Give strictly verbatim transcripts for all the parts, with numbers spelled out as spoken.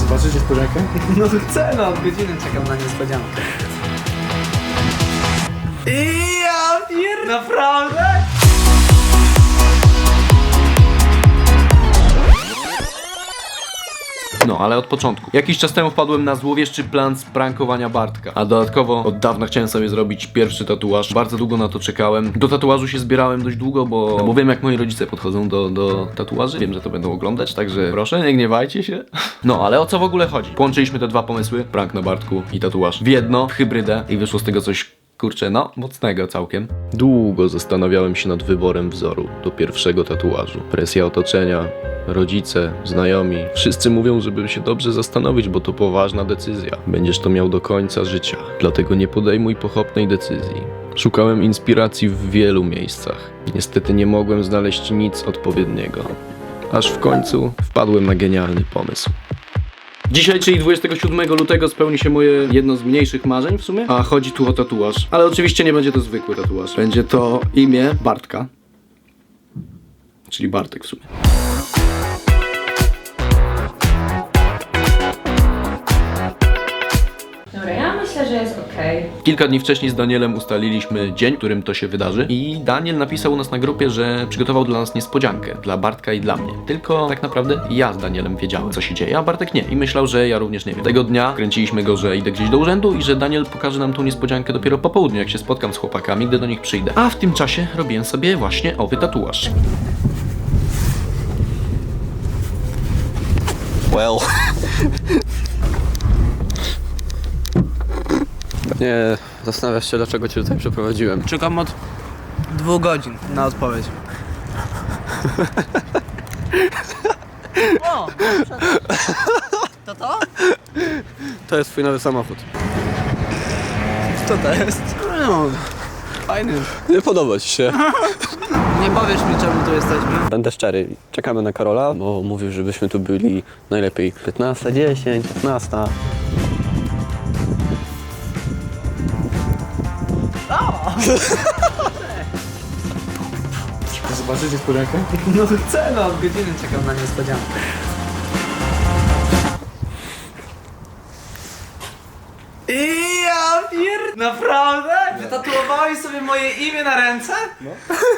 Zobaczysz niespodziankę? No chcę, no, od godziny czekam na niespodziankę. I ja pier... Naprawdę? No, ale od początku. Jakiś czas temu wpadłem na złowieszczy plan sprankowania Bartka. A dodatkowo od dawna chciałem sobie zrobić pierwszy tatuaż. Bardzo długo na to czekałem. Do tatuażu się zbierałem dość długo, bo, bo wiem jak moi rodzice podchodzą do, do tatuaży. Wiem, że to będą oglądać, także proszę, nie gniewajcie się. No, ale o co w ogóle chodzi? Połączyliśmy te dwa pomysły, prank na Bartku i tatuaż, w jedno, w hybrydę i wyszło z tego coś, kurczę, no, mocnego całkiem. Długo zastanawiałem się nad wyborem wzoru do pierwszego tatuażu. Presja otoczenia, rodzice, znajomi. Wszyscy mówią, żeby się dobrze zastanowić, bo to poważna decyzja. Będziesz to miał do końca życia. Dlatego nie podejmuj pochopnej decyzji. Szukałem inspiracji w wielu miejscach. Niestety nie mogłem znaleźć nic odpowiedniego. Aż w końcu wpadłem na genialny pomysł. Dzisiaj, czyli dwudziestego siódmego lutego, spełni się moje jedno z mniejszych marzeń w sumie, a chodzi tu o tatuaż. Ale oczywiście nie będzie to zwykły tatuaż. Będzie to imię Bartka. Czyli Bartek w sumie. Dobra, ja myślę, że jest okej. Kilka dni wcześniej z Danielem ustaliliśmy dzień, w którym to się wydarzy i Daniel napisał u nas na grupie, że przygotował dla nas niespodziankę, dla Bartka i dla mnie. Tylko tak naprawdę ja z Danielem wiedziałem, co się dzieje, a Bartek nie i myślał, że ja również nie wiem. Tego dnia kręciliśmy go, że idę gdzieś do urzędu i że Daniel pokaże nam tą niespodziankę dopiero po południu, jak się spotkam z chłopakami, gdy do nich przyjdę. A w tym czasie robiłem sobie właśnie owy tatuaż. Well. Nie, zastanawiasz się, dlaczego cię tutaj przeprowadziłem. Czekam od dwóch godzin na odpowiedź. O! To to? To jest twój nowy samochód. Co to jest? No, fajny. Nie podoba ci się. Nie powiesz mi, czemu tu jesteśmy? Będę szczery, czekamy na Karola, bo mówił, żebyśmy tu byli najlepiej piętnasta dziesięć, piętnasta. Zobaczysz niespodziankę? No chcę, no, od godziny czekam na niespodziankę. I ja pier... Naprawdę? Wytatuowałeś sobie moje imię na ręce? No.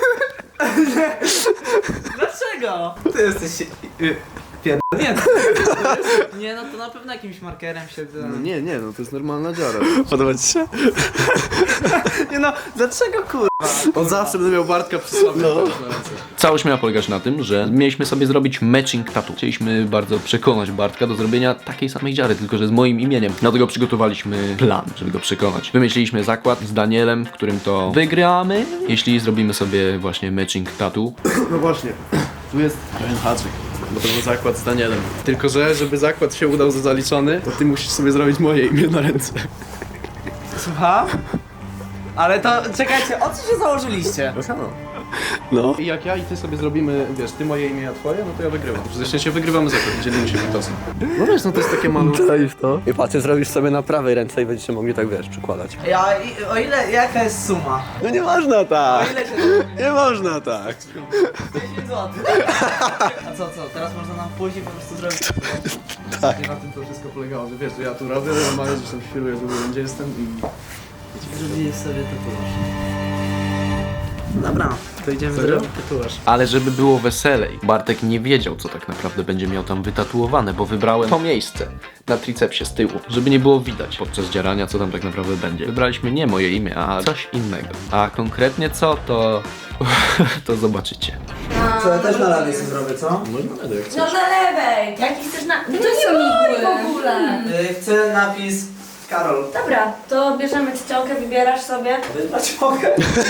Dlaczego? Ty jesteś... y, pierdolnięty. Nie, no to na pewno jakimś markerem się... Nie, nie, no to jest normalna dziara. Podoba ci się? Nie no, dlaczego kurwa? On zawsze będę miał Bartka przy sobie. No. Całość miała polegać na tym, że mieliśmy sobie zrobić matching tattoo. Chcieliśmy bardzo przekonać Bartka do zrobienia takiej samej dziary, tylko że z moim imieniem. Dlatego przygotowaliśmy plan, żeby go przekonać. Wymyśliliśmy zakład z Danielem, w którym to wygramy, jeśli zrobimy sobie właśnie matching tattoo. No właśnie, tu jest pewien haczyk. Bo to był zakład z Danielem. Tylko że, żeby zakład się udał za zaliczony, to ty musisz sobie zrobić moje imię na ręce. Słucham? Ale to, czekajcie, o co się założyliście? No. I jak ja i ty sobie zrobimy, wiesz, ty moje imię, a twoje, no to ja wygrywam. Zresztą się wygrywamy zakład, dzielimy się wytosem. No wiesz, no to jest takie malutkie. Czaisz to? I patrz, ty zrobisz sobie na prawej ręce i będziecie mogli tak, wiesz, przykładać. Ja, i, o ile, jaka jest suma? No nie można O tak! ile się Nie można tak! dziesięć złotych. A co, co, teraz można nam pójść i po prostu zrobić? Tak. Na tym to wszystko polegało, że wiesz, że ja tu robię, normalnie gdzieś tam świruję, że wiem, gdzie jestem i... Zrobiłeś sobie tatuaż. Dobra, to idziemy Serio? zrobić tatuaż. Ale żeby było weselej, Bartek nie wiedział, co tak naprawdę będzie miał tam wytatuowane, bo wybrałem to miejsce na tricepsie z tyłu, żeby nie było widać podczas dzierania, co tam tak naprawdę będzie. Wybraliśmy nie moje imię, a coś innego. A konkretnie co, to... to zobaczycie. Co, ja też na lewej sobie zrobię, co? No nie będę jak No chcesz. na lewej! Jaki chcesz na... No to są igły w ogóle. Y, chcę napis Karol. Dobra, to bierzemy czcionkę, wybierasz sobie. Wybrać mogę.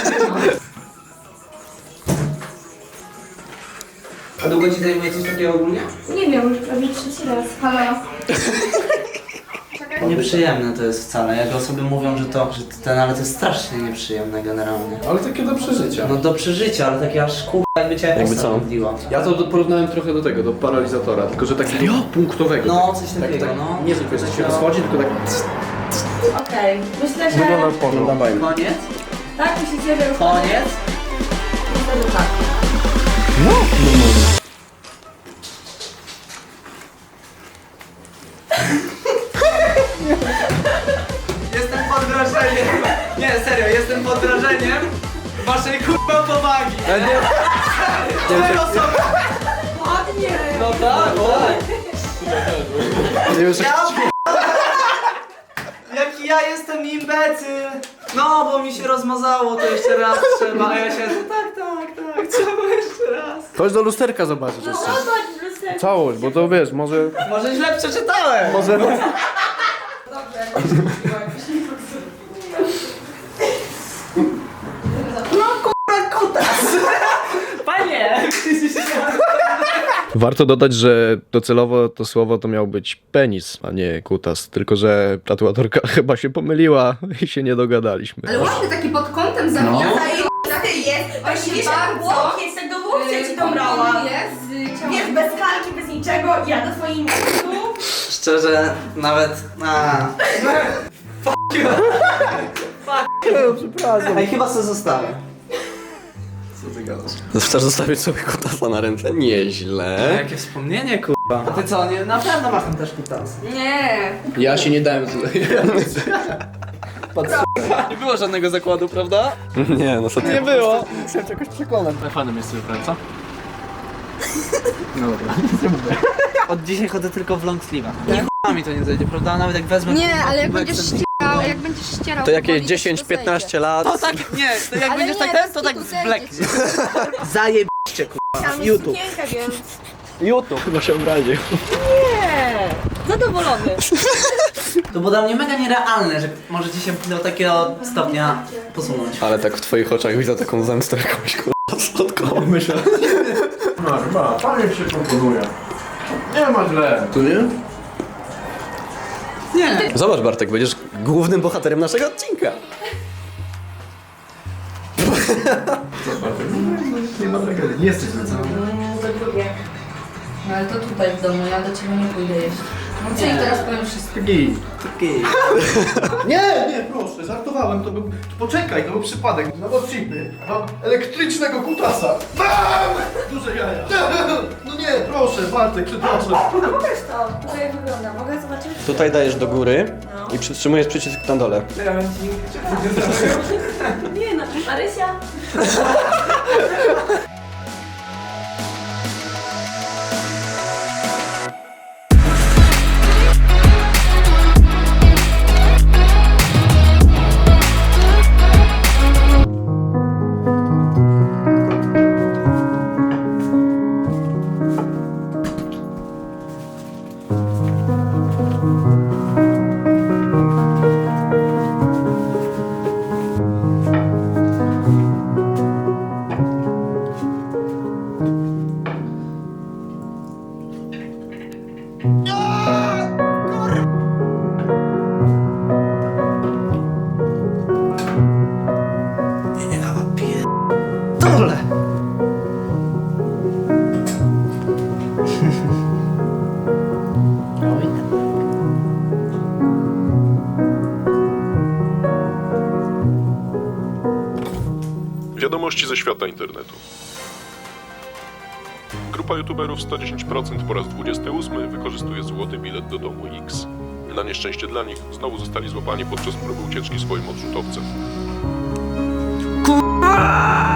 A długo ci zajmuje coś takiego ogólnie? Nie wiem, już prawie trzeci raz. Halo? Nieprzyjemne to jest wcale, jak osoby mówią, że to, że ten, ale to jest strasznie nieprzyjemne generalnie. Ale takie do przeżycia. No do przeżycia, ale takie aż kurwa jakby cię Jakby postać co? odbiła. Ja to do- porównałem trochę do tego, do paralizatora, tylko że takiego punktowego. No, tak, coś tak, takiego, tak, no. Nie zwykle, że się rozchodzi, tylko tak... Okej, myślę, że... No dawaj. Koniec? Tak, myślicie, że już... Koniec? Myślę, że tak. Jestem pod wrażeniem. Nie, serio, jestem pod wrażeniem waszej kurwa powagi. Ja nie, Tyle osoby. Ładnie! No tak, tak. nie wiesz, jak... Ja Jaki ja jestem imbecyl! No, bo mi się rozmazało, to jeszcze raz trzeba, a ja się tak, tak, tak, trzeba jeszcze raz. Chodź do lusterka zobaczyć No jeszcze. zobacz, lusterko. Całość, bo to wiesz, może... Może źle przeczytałem! Może... No kurwa kutas! Panie! Warto dodać, że docelowo to słowo to miał być penis, a nie kutas. Tylko że tatuatorka chyba się pomyliła i się nie dogadaliśmy. Ale ładny taki pod kątem zawijany. No. jest. Właśnie wiesz, jak łokieć, tak do łokcia ci dobrała. Jest. Wiesz, bez kalki, bez niczego. Ja do swoim miejscu. Szczerze, nawet... A. Fuck you! Fuck you! Przepraszam. Ej, chyba sobie zostawię. Co ty gadasz? Chcesz zostawić sobie kutasa na ręce? Nieźle. Jakie wspomnienie, kurwa. A ty co, nie, na pewno masz tam też kutas. Nie. Ja się nie dałem tutaj. Nie było żadnego zakładu, prawda? Nie, no co ty? Nie było. Chciałem cię jakoś przekonać. Fanem jest sobie praca. No dobra, nic nie mówię. Od dzisiaj chodzę tylko w long sleeve'ach. Nie ch**a mi to nie zejdzie, prawda? Nawet jak wezmę... Nie, ale jak kubek będziesz sobie- ścierał, jak będziesz ścierał... To jakieś powoli, dziesięć to zejdzie. piętnaście lat. To tak, nie, to jak Ale będziesz nie, tak ten, bez to tak kitu zejdzie zbleknie. ci. Zajebiście, kurwa. Tam jest YouTube. sukienka, więc... YouTube chyba się obraził. Nie. Zadowolony. To było dla mnie mega nierealne, że możecie się do takiego stopnia posunąć. Ale tak w twoich oczach widzę taką zemstę jakąś kurwa słodką. Myślę. No chyba, panie się proponuje. Nie ma źle. Tu nie? Nie. Zobacz Bartek, będziesz głównym bohaterem naszego odcinka. Nie ma tragedii. Nie jesteś zlecony. Za drugie. No ale to tutaj w domu, ja do ciebie nie pójdę jeść. No co i teraz powiem wszystko. Taki. Taki. Nie, nie, proszę, żartowałem, to był... Poczekaj, to był przypadek. Na odcipy mam elektrycznego kutasa. Mam! Duże jaja. No nie, proszę, Bartek, przepraszam. No pokaż to, to jak wygląda, mogę zobaczyć? Tutaj dajesz do góry i przytrzymujesz przycisk na dole. Nie no, Marysia. Dole! Wiadomości ze świata internetu. Grupa youtuberów sto dziesięć procent po raz dwudziesty ósmy wykorzystuje złoty bilet do domu X. Na nieszczęście dla nich znowu zostali złapani podczas próby ucieczki swoim odrzutowcem. Kurwa!